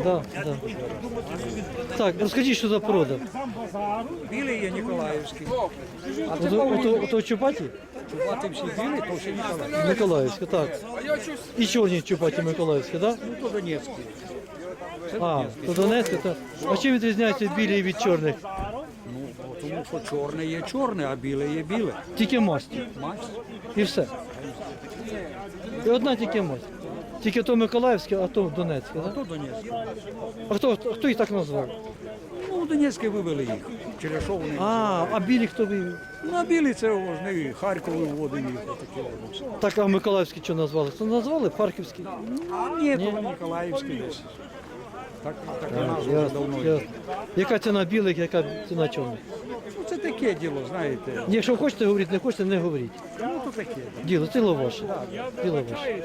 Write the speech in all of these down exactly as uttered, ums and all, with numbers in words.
Да, да. Так, розкажіть, що за порода? Білий є Ніколаївський. А це Ото, ото, ото чупаті? чубати всі білі, то всі Ніколаївські. Миколаївська, так. І чорні чупаті Миколаївські, так? Ну, то Донецький. А, то Донецьке, так. А чим відрізняються білі від чорних? Ну, бо тому що чорне є чорне, а біле є біле. Тільки масті. Масть. І все. І одна тільки масть. Тільки то Миколаївське, а то Донецьке, А так? то Донецький. А хто, хто їх так назвав? Ну, Донецьке вивели їх. Через що вони? А, а білі хто вивів? Ну, а білі це вони Харків виводили їх. Отакі от. Так, а Миколаївські що назвали? Це назвали Харківські? А ні, то Ніколаївський десь. Так, так і назва вже Ясно, давно є. ясно. Яка ціна білих, яка ціна чорних? Ну, це таке діло, знаєте. Якщо хочете говорити, не хочете, не говоріть. Ну, то таке. Діло, діло ваше. Діло ваше.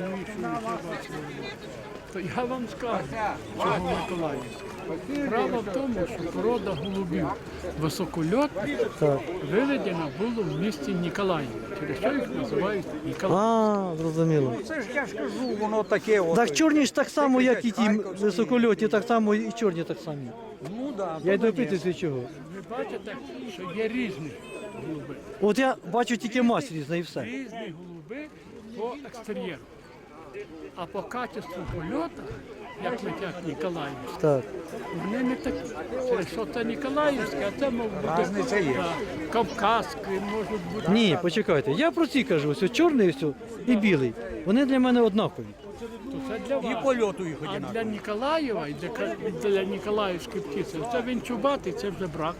То я вам скажу, чого Миколаївська. Справа в тому, що порода голубів високольотних Так. виведена була в місті Ніколаїв, через що їх називають Ніколаїв. А, зрозуміло. Це ж я ж кажу, воно таке. От. Так чорні ж так само, як і ті високольотні, так само і чорні так само. Ну, да, Я й то допитуюсь від чого. Ви бачите, що є різні голуби. От я бачу тільки масть різна і все. Різні голуби по екстер'єру. А по качеству польоту, як летять Ніколаївські, Так. вони не такі. Через що це Ніколаївське, а це мов бути Разниця є. да, Кавказські, можуть бути. Ні, почекайте, я про ці кажу, ось чорний ось і білий. Вони для мене однакові. То це для вас. І польоту їх А одинаково. для Ніколаєва і для, Ка- і для Ніколаївської птиці, це він чубатий, це вже брак.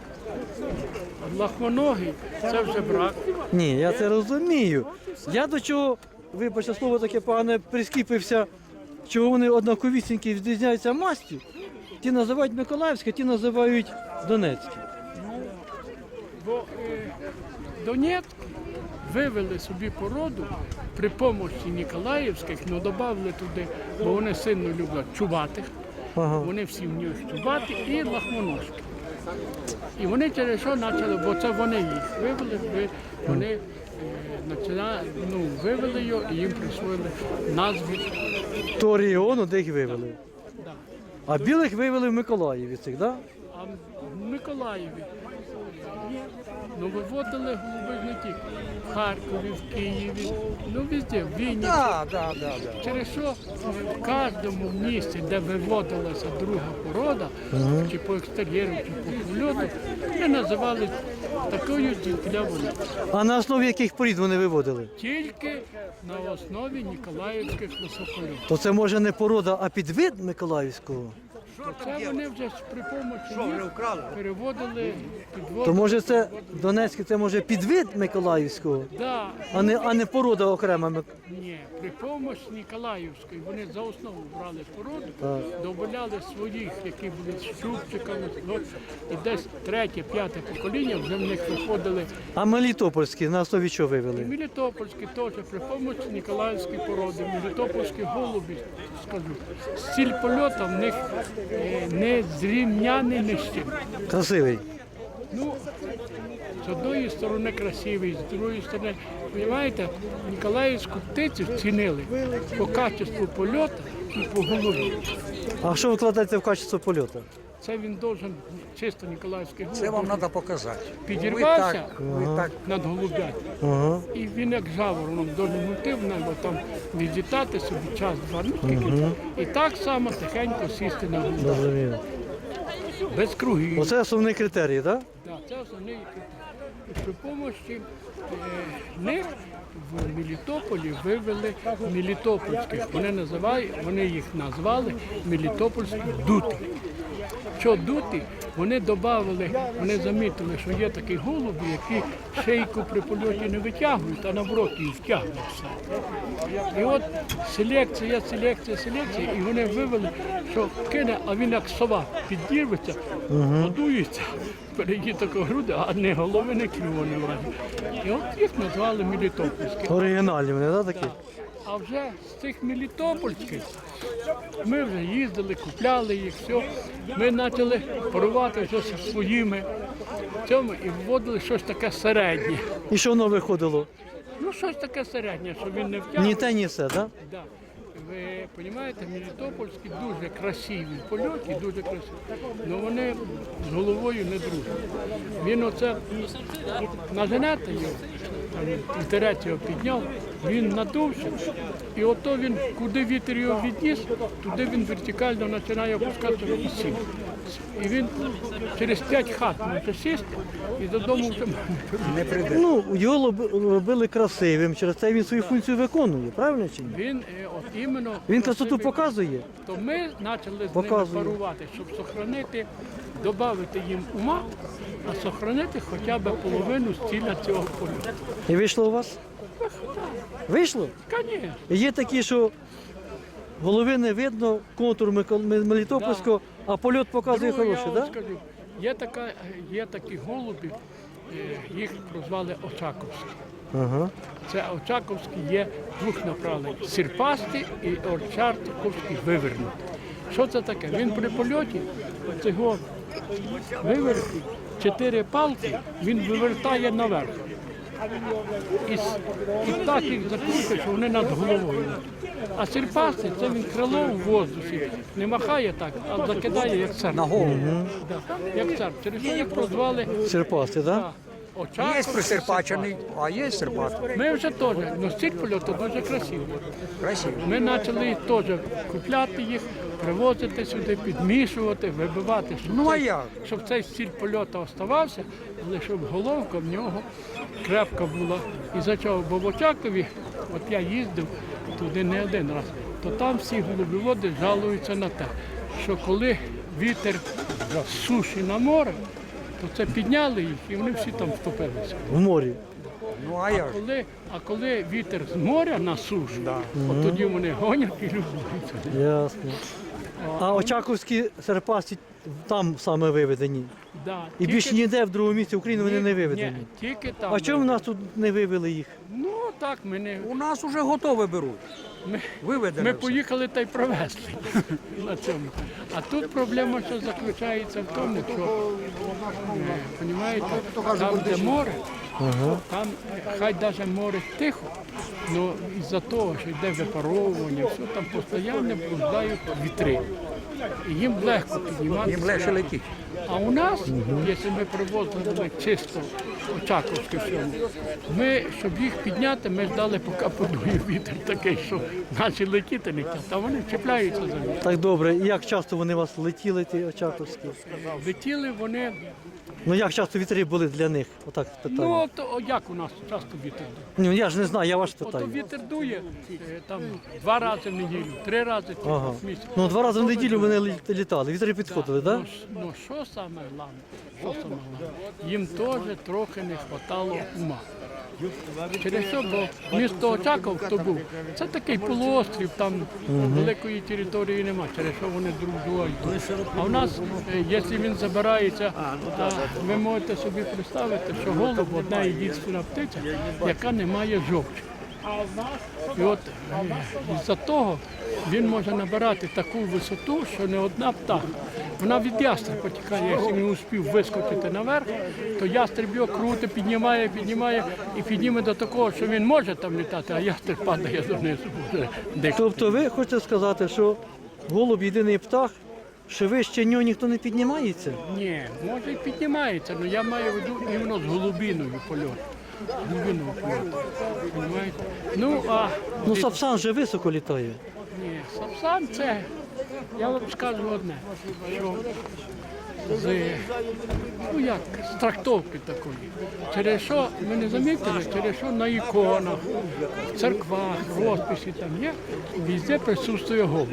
А лахмоногий, це вже брак. Ні, я це розумію. Я до чого, вибачте, слово таке погане, прискіпився, чого вони однаковісінькі відрізняються мастю. Ті називають Миколаївське, ті називають Донецьке. Бо е, Донецьк вивели собі породу при помощі Ніколаївських, ну додали туди, бо вони сильно люблять чубатих. Ага. Вони всі вміють чубати і лахмоножки. І вони через що почали, бо це вони їх вивели, ви- вони е, почали, ну, вивели його і їм присвоїли назву. То регіону, де їх вивели. Да. А білих вивели в Миколаєві цих, так? А в Миколаєві ну, виводили голуби не тільки в Харкові, в Києві, ну везде, в Вінниці. Так, так, так, так. Через що е, в кожному місці, де виводилася друга порода, чи по екстер'єру, чи по польоту, вони називали такою для вони. А на основі яких порід вони виводили? Тільки на основі Ніколаївських високольотів. То це може не порода, а підвид Миколаївського? Це вони вже ж при помочі їх переводили, підводили. То може це Донецьке, це може підвид Миколаївського, Да, а не, а не порода окрема. Мик- ні, при помощі Ніколаївської вони за основу брали породу, Так. додаляли своїх, які були з щупчиками, от, і десь третє, п'яте покоління вже в них виходили. А Мелітопольські на основі чого вивели? Мелітопольські теж при помощі Ніколаївської породи, мелітопольські голубі, скажу, стиль польоту в них е, не зрівняний ні з чим. Красивий. Ну, з одної сторони красивий, з другої сторони, розумієте, Ніколаївську птицю цінили по качеству польоту і по голові. А що вкладається в качество польоту? Це він должен чисто Ніколаївський голуб Це вам должен треба показати. підірвався Ви так, ви так. над голубятою. Ага. І він як жавороном должен йти в небо, там відлітати собі час-два, ну скільки. І так само тихенько сісти на голубя. Зрозуміло. Без кругів. Оце основний критерій, так? Да, це основний критерій. І при помощі е, них в Мелітополі вивели мелітопольських. Вони називають, вони їх назвали мелітопольські дути. Що дути? Вони додали, вони замітили, що є такі голуби, які шийку при польоті не витягують, а наоборот її втягують все. І от селекція, селекція, селекція, і вони вивели, що кине, а він як сова підірветься, годується, перейде тако груди, а не голови, не клюву не лазить. І от їх назвали мелітопольські. Оригінальні вони, так, такі? А вже з цих мелітопольських ми вже їздили, купляли їх, все. Ми почали парувати вже зі своїми цьому і вводили щось таке середнє. І що воно виходило? Ну, щось таке середнє, що він не втягнув. Ні те, ні все, так? Да. ви розумієте, мелітопольські дуже красиві в польоті, дуже красиві, але вони з головою не дружать. Він оце наженете його, там, вітерець його підняв, він надувся, і ото він, куди вітер його відніс, туди він вертикально починає опускатися і сів. І він через п'ять хат може сісти і додому вже Не прийде. Ну, його лоб- робили красивим, через це він свою функцію виконує, правильно чи ні? він е, от іменно Він красоту красивий. показує. То ми почали з ними Показує. парувати, щоб сохранити, додати їм ума, а сохранити хоча б половину стиля цього польоту. І вийшло у вас? Вийшло? Звісно. Є такі, що голови не видно, контур Микол- М- Мелітопольського, а польот показує Друге, я хороший, вам так? Да? скажу, є, така, є такі голуби, е, їх прозвали Очаковські. Ага. Це Очаковські є двох направлень – сірпасті і Очаковський вивернутий. Що це таке? Він при польоті цього вивернутий, чотири палки він вивертає наверх. І, с- і так їх закрутить, що вони над головою. А сірпасти – це він крило в воздусі, не махає так, а закидає як цар. На голову. Да, як цар. Через що їх прозвали Серпасти, так? Да? да, Очаковський, Є присерпачений, а є серпатий. Ми вже теж, ну стиль польоту дуже красивий. Красивий. Ми почали теж купляти їх, привозити сюди, підмішувати, вибивати, щоб, Ну, а цей, як? щоб цей стиль польоту оставався, але щоб головка в нього крепка була. І за чого? Бо в Очакові, от я їздив туди не один раз, то там всі голубіводи жалуються на те, що коли вітер з суші на море, то це підняли їх і вони всі там втопилися. В морі. Ну а як? Коли, а коли вітер з моря на сушу, от тоді вони гонять і любуються. Ясно. А Очаковські серпасті там саме виведені. Да, І тільки- більше ніде в другому місці України вони не Ні, виведені. Ні, тільки там. А чому в нас тут не вивели їх? Ну так, ми не. У нас вже готове беруть. Ми, Виведено. ми все. поїхали та й привезли на цьому. А тут проблема, що заключається в тому, що е, понімаєте, там, де море, там е, хай навіть море тихо, але із-за того, що йде випаровування, все там постійно блуждають вітри. І їм легко підніматися. Їм легше летіть. А у нас, якщо ми привозили чисто Очаковське всьому, ми, щоб їх підняти, ми ждали, поки подує вітер такий, що наші летіти летять, а вони чіпляються за них. Так добре, і як часто вони у вас летіли, ті Очаковські? Летіли вони, Ну як часто вітри були для них? Отак ну питання. от, о, як у нас часто вітер дує? Ну я ж не знаю, я вас Ото питаю. вітер дує е, там два рази в неділю, три рази Ага. в місяць. Ну два рази в неділю вони лі- літали, вітри підходили, так? Ну, ш- ну що саме головне? Що саме головне? Їм теж трохи не вистачало ума. Через що, бо місто Очаков, хто був, це такий полуострів, там великої території немає, через що вони друг друга йдуть. А в нас, е, якщо він забирається, а ви можете собі представити, що голуб одна єдина птиця, яка не має жовчі. І от е, із-за того він може набирати таку висоту, що не одна птаха. Вона від ястреба тікає, якщо він успів вискочити наверх, то ястреб його крути, піднімає, піднімає і підніме до такого, що він може там літати, а ястреб падає донизу. Буде дихати. Тобто ви хочете сказати, що голуб єдиний птах, що вище нього ніхто не піднімається? Ні, може і піднімається, але я маю в виду іменно з голубіною польоту. Голубіною польоту. Понімаєте? Ну, а Ну сапсан же високо літає. ні, сапсан це, я вам скажу одне, що з, ну як, з трактовки такої. Через що, ми не замітили, через що на іконах, в церквах, розписі там є, везде присутствує голуб.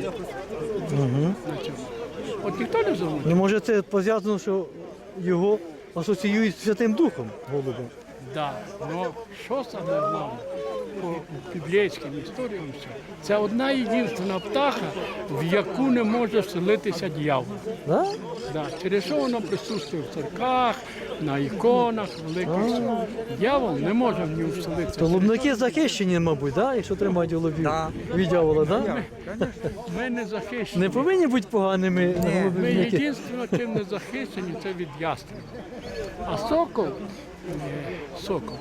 На цьому. От ніхто не замітив. Ну може це пов'язано, що його асоціюють з Святим Духом голуба. Да, но що саме головне по біблійським історіям, все, це одна єдина птаха, в яку не може вселитися дьявол. Да? Да, через що воно присутствує в церквах, на іконах, великих. всього. Дьявол не може в нього вселитися. То голубники захищені, мабуть, да? Якщо тримають голубів Да. від дьявола, да? Ми не захищені. Не повинні бути поганими Ми голубівники. єдине, чим не захищені, це від ястреба. А сокол, е, сокол,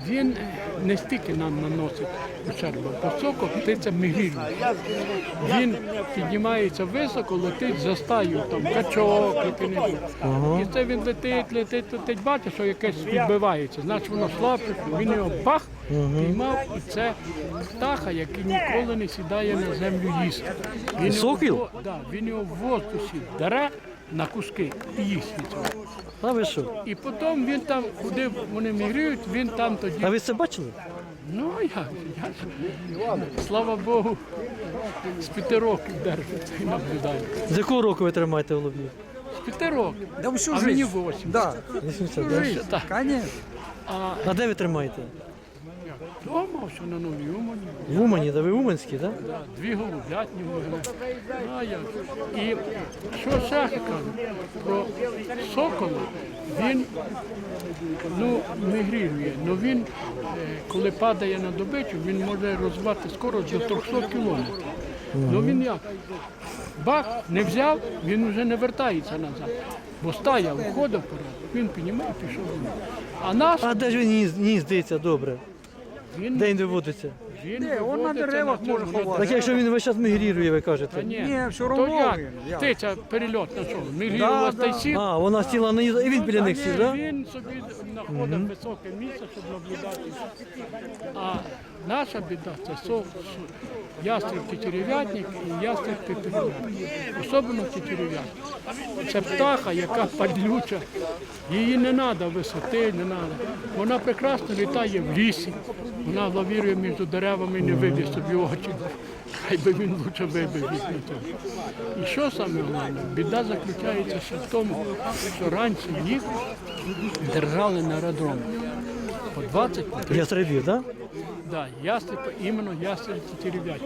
він не стільки нам наносить ущербу, бо сокол – птиця мігрільна. Він піднімається високо, летить за стаю, там качок, який-небудь. І це він летить, летить, летить, бачить, що якесь відбивається. Значить, воно слабше, він його бах, піймав, і це птаха, який ніколи не сідає на землю їсти. Він його Сокіл? в во- да, він його в воздусі дере на куски і їсть від цього. А ви що? І потім він там, куди вони мігріють, він там тоді. А ви це бачили? Ну, я, я ж, слава Богу, з п'яти років держиться і наблюдаю. З якого року ви тримаєте голубів? З п'яти років. Да всю А жизнь. мені восім. Да, вісімдесят, да? жизнь, Так. конечно. А А де ви тримаєте? вдома все на новій Умані. В Умані, да ви уманські, так? Да, дві голублятні в мене. А як? І що ще кажу про сокола, він ну, мігрірує, але він, е, коли падає на добичу, він може розвивати скорость до триста кілометрів. Ну він як? Бах, не взяв, він вже не вертається назад. Бо стая виходить вперед, він піднімає і пішов. А наш, А де ж він ні- гніздиться добре? він, Де він виводиться? він Ні, он на виводиться деревах цьому, може на ховати. Так якщо він весь час мігрірує, ви Та кажете. ні, Ні, все то равно як? він, як? Птиця перельот на що? Да, Мігрілова да. та сів. А, вона сіла на і він біля них сів, так? Він собі знаходить високе місце, щоб наблюдати. А наша біда це со, со- ястреб тетерев'ятник і ястреб пеперев'ятник. Особливо тетерев'ятник. Це птаха, яка падлюча. Її не треба висоти, не треба. Вона прекрасно літає в лісі. Вона лавірує між деревами і не виб'є собі очі. Хай би він лучше вибив їх на цьому. І що саме головне? Біда заключається ще в тому, що раніше їх держали на аеродромі. По двадцять, по тридцять. Ястребів, так? Да, ястреб, іменно ястреб тетерев'ятник.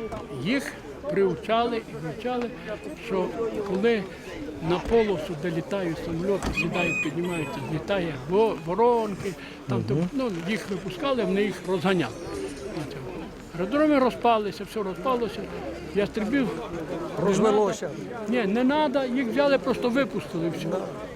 Їх приучали і вивчали, що коли на полосу, де літають самоліти, сідають, піднімаються, злітає во- воронки, там, то, ну, їх випускали, вони їх розганяли. На цьому. Аеродроми розпалися, все розпалося, ястребів Розвелося. ні, не треба, їх взяли, просто випустили все.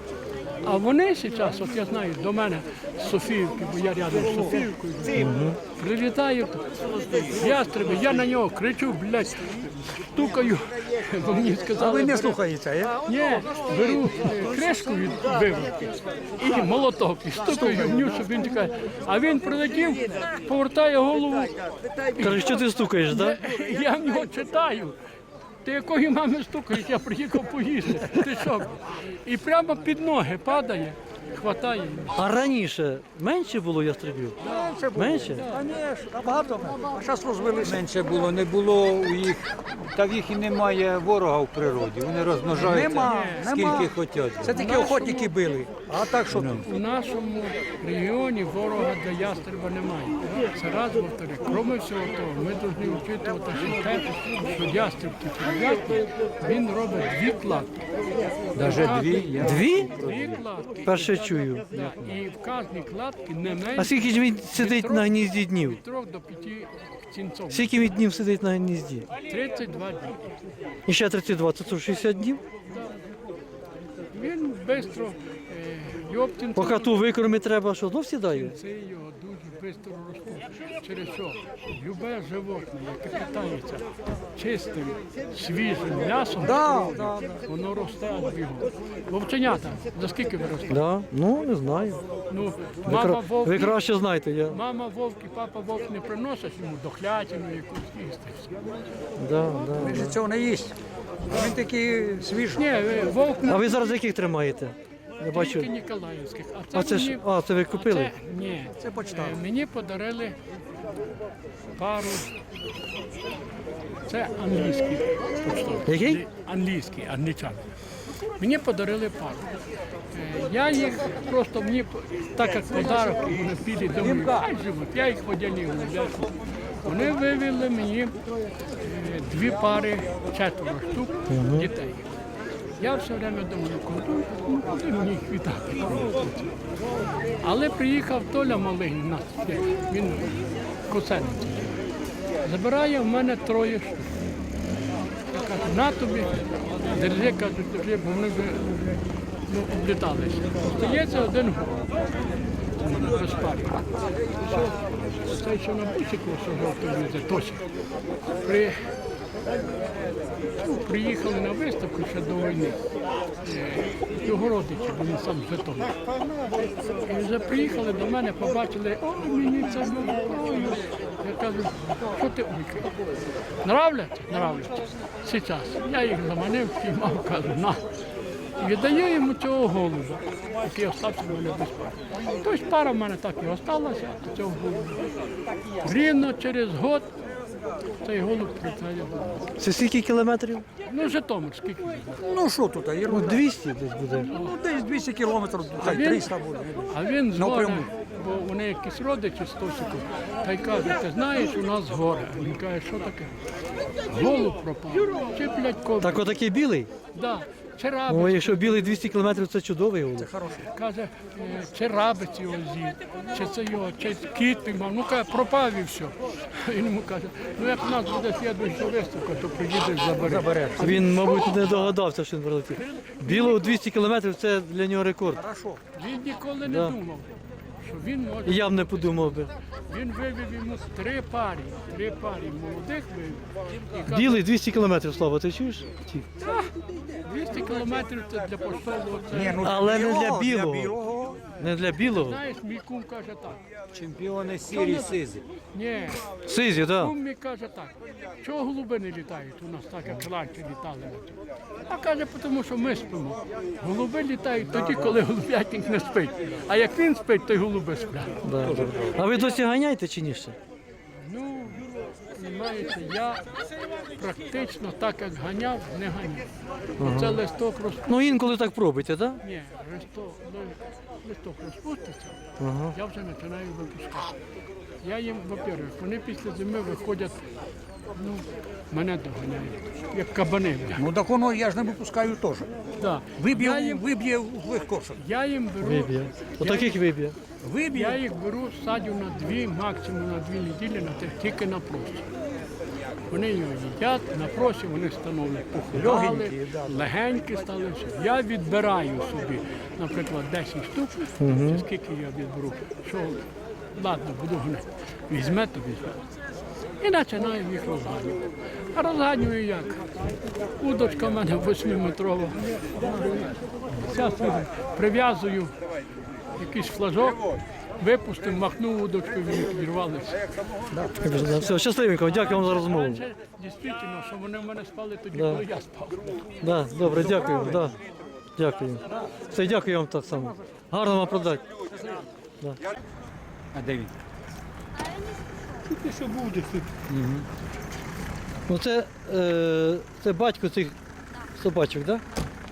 А вони зараз, от я знаю, до мене з Софіївки, бо я рядом з Софіївкою, прилітають ястреби, я на нього кричу, блядь, стукаю, бо мені А сказали, ви не бери- слухаєте, е? ні, беру е, кришку від виводки і молоток, і стукаю в нього, щоб він тікає. А він прилетів, повертає голову, Каже, що ти стукаєш, так? я в нього читаю. Ти якої мами стукаєш, я приїхав поїсти. Ти що? І прямо під ноги падає, хватає. А раніше менше було ястребів? Це було. Менше? Конечно, набагато менше. А зараз розвелися. Менше було, не було у їх, та в їх і немає ворога в природі. Вони розмножаються Нема, скільки нема. хочуть. Це тільки охотники били. А так що тут? У нашому регіоні ворога для ястреба немає. Це раз, повторю. Кроме всього того, ми повинні вчитувати ще те, що ястреб тетерев'ятник, він робить дві кладки. Навіть дві. Я... Дві? Дві кладки. Перше чую. І в кожній кладці не А менше скільки ж він сидить на гнізді днів? від трьох до п'яти птінців. Скільки він днів сидить на гнізді? тридцять два дні. І ще тридцять два, це шістдесят днів? Він швидко, його птінці, Поки ту викорми треба, що знов сідає? це його дуже швидко ростуть. Через що? Любе животне, яке питається чистим, свіжим м'ясом, Да, да, воно росте аж бігом. Вовченята, за скільки ви ростете? Да? Ну, не знаю. Ну, Ви, мама кра- вовк, ви краще знаєте. Я... мама вовк і папа вовк не приносять йому дохлятину якусь їсти. Да, да. він же цього не їсть. Він такий свіжий. Ні, ви- вовк А не ви зараз яких тримаєте? Я тільки бачу. Ніколаївських. А це, А це ж, мені, а, це ви а купили? це, ні, Це почтар. Е, Мені подарили пару. Це англійський почтовий. Який? Англійський, англічани. Мені подарили пару. Е, Я їх просто мені п- так як подарок, і вони підуть, думаю, хай живуть, я їх поділив. Вони вивели мені е, дві пари, четверо штук дітей. Я все время думаю, куди, ну, куди мені їх віддати? Але приїхав Толя малий, у нас є, він косений. Забирає в мене троє штук. Я кажу, на тобі, держи, кажуть, держи, бо вони вже ну, обліталися. Остається один год. у мене без пари. Цей, що на бусику, що жовтий їде, Тосик. При, ну, приїхали на виставку ще до війни. Е, Його родичі, бо він сам з Житомира. І вже приїхали до мене, побачили, о, мені це ой. Я кажу, що ти ойкаєш? Нравляться? Нравляться. Зараз. Я їх заманив, піймав, кажу, на. І віддаю йому цього голуба, який остався в мене без пари. Тобто пара в мене так і осталася, а цього голуба. Рівно через год цей голуб прилетає до нас. Це скільки кілометрів? Ну, Житомир, скільки? Ну що тут, Ну, ерунда. двісті десь буде. Ну десь двісті кілометрів, хай він- триста буде. А він з Напряму. гори, бо вони якісь родичі з Тосику, та й каже, ти знаєш, у нас горе. Він каже, що таке? Голуб пропав. Чи плядько? Так отакий білий? Да. Чи рабець, О, якщо білий двісті кілометрів, це чудовий голуб. каже, е, чи рабець його з'їв, чи це його, чи кіт піймав. Ну, каже, пропав і все. Він йому каже, ну як в нас буде слідуюча виставка, то приїдеш, забереш. Він, мабуть, не догадався, що він прилетів. Білого двісті кілометрів це для нього рекорд. Хорошо. Він ніколи не Да. думав, що він може. І я б не подумав би. Він вивів йому три парі, три парі молодих вивів. І каже, Білий двісті кілометрів, Слава, ти чуєш? Ті. двісті кілометрів це для поштового. Ні, Це, ну, Але не для білого. Для білого. Не для білого. знаєш, мій кум каже так. Чемпіони сірі сизі. Ні, Сизі, так. кум мій каже так. Чого голуби не літають у нас так, як раніше літали? А каже, тому що ми спимо. Голуби літають тоді, коли голубятник не спить. А як він спить, то й голуби сплять. Да, да. А ви досі ганяєте чи ні ще? Ну, розумієте, я практично так, як ганяв, не ганяв. Це листок роз... Ну інколи так пробуйте, так? Ні, листок, листок розпуститься, Ага. я вже починаю випускати. Я їм, во-первых, вони після зими виходять, ну, мене доганяють, як кабани. Ну так воно я ж не випускаю теж. Да. Я Виб'є, їм, виб'є в легкошок. я їм беру, Виб'є. Отаких виб'є. я Виб'є. їх беру, садю на дві, максимум на дві неділі, на три, тільки на просі. Вони його їдять, на просі вони становлять похудали, Легенькі, да. легенькі стали. все. Я відбираю собі, наприклад, десять штук, чи скільки я відберу, що, ладно, буду гнати. Візьмете, візьмете. І починаю їх розганювати. А розганюю як? Удочка в мене восьмиметрова. Зараз прив'язую якийсь флажок, випустив, махнув удочку, і вони підірвалися. Все, щасливенько, дякую вам за розмову. Раніше дійсно, що вони в мене спали тоді, Да. коли я спав. Да, добре, дякую. Да. Дякую. Все, дякую вам так само. Гарно вам продати. А де він? Тільки що буде. Ну це, е, це батько цих собачок, так? Да?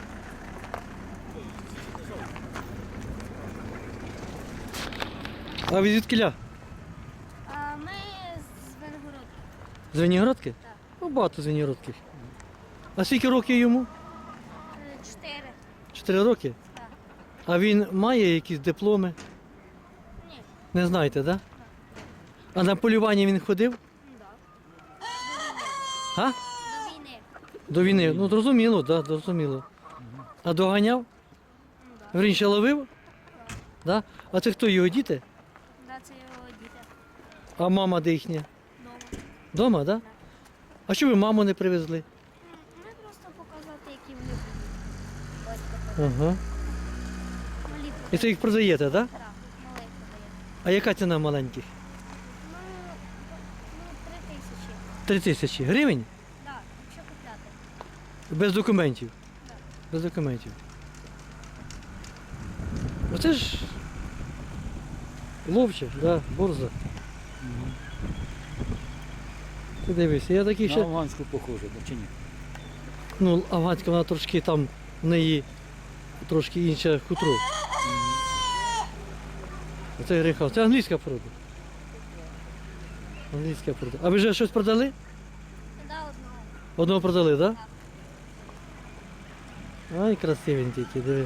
А ви звідкіля? А ми з Венгородки. З Веніградки? Так. Ну, багато з Веніградки. А скільки років йому? Е, Чотири. Чотири роки? Так. А він має якісь дипломи? Ні. Не знаєте, так? Да? А на полювання він ходив? Да. А? До війни. До війни. Ну, зрозуміло, так, да, зрозуміло. А доганяв? Вірніше ловив? Да? А це хто його діти? Да, це його діти. А мама де їхня? Дома. Дома, так? Да? А що ви маму не привезли? М, Ми просто показати, які вони будуть. Батько Ага. малі І це їх продаєте, так? Да? Так, малий подає. А яка ціна маленьких? Ну, ну, три тисячі. Три тисячі гривень? Так, якщо купляти. Без документів. Без документів. Оце ж ловче, да, борза. Ти дивишся, я такий На ще. афганську похоже, да, чи ні? Ну, афганська вона трошки там в неї трошки інше хутро. Оце греха. Це англійська порода. Англійська порода. А ви вже щось продали? Да, одного. Одного продали, так? Да? Ай, красивенький, який, диви.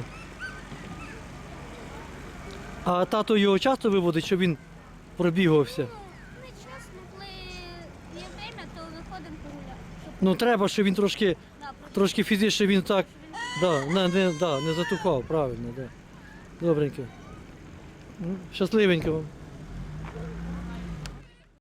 А тато його часто виводить, щоб він пробігався? Ну, не чесно, коли є время, то виходимо погуляти. Щоб, Ну треба, щоб він трошки, да, просто трошки фізично він так, да, не, не, да, не затухав, правильно, да. Добренько. Щасливенько вам.